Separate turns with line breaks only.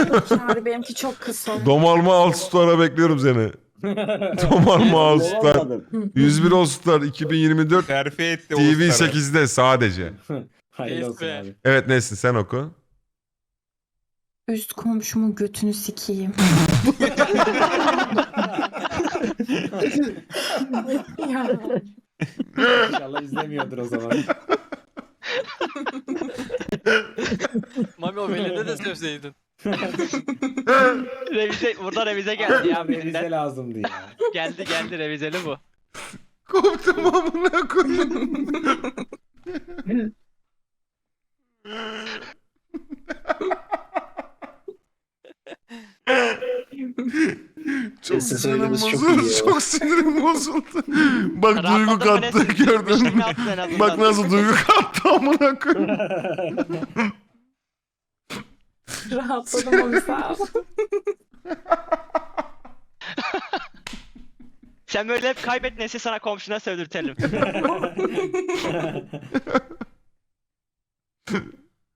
Çağrı benimki çok kısa.
Domalma All Star'a bekliyorum seni. Domalma All Star.
Olamadım.
101 All Star 2024
Terfi etti Oğuzlar'a.
TV8'de sadece.
Hayırlı olsun
Neyse.
abi.
Evet Nesin sen oku.
Üst komşumun götünü sikeyim. Ya.
İnşallah izlemiyordur o zaman.
Mami o velede de sövseydin.
Burada revize geldi ya
Revize
birinden.
lazımdı ya.
Geldi revizeli bu.
Koptum amına koyayım. Çok
Sesi
sinirim
söylemesi çok
bozuldu.
iyi ya.
Çok sinirim bozuldu. Bak duygu
Rahatladın mı
kattı
Nesin?
gördün
İşini
mü?
attın en azından.
Bak nasıl duygu kattı amına koyayım.
Rahatladım onu sağ ol.
Sen böyle hep kaybet Nesin, sana komşuna sövdürtelim.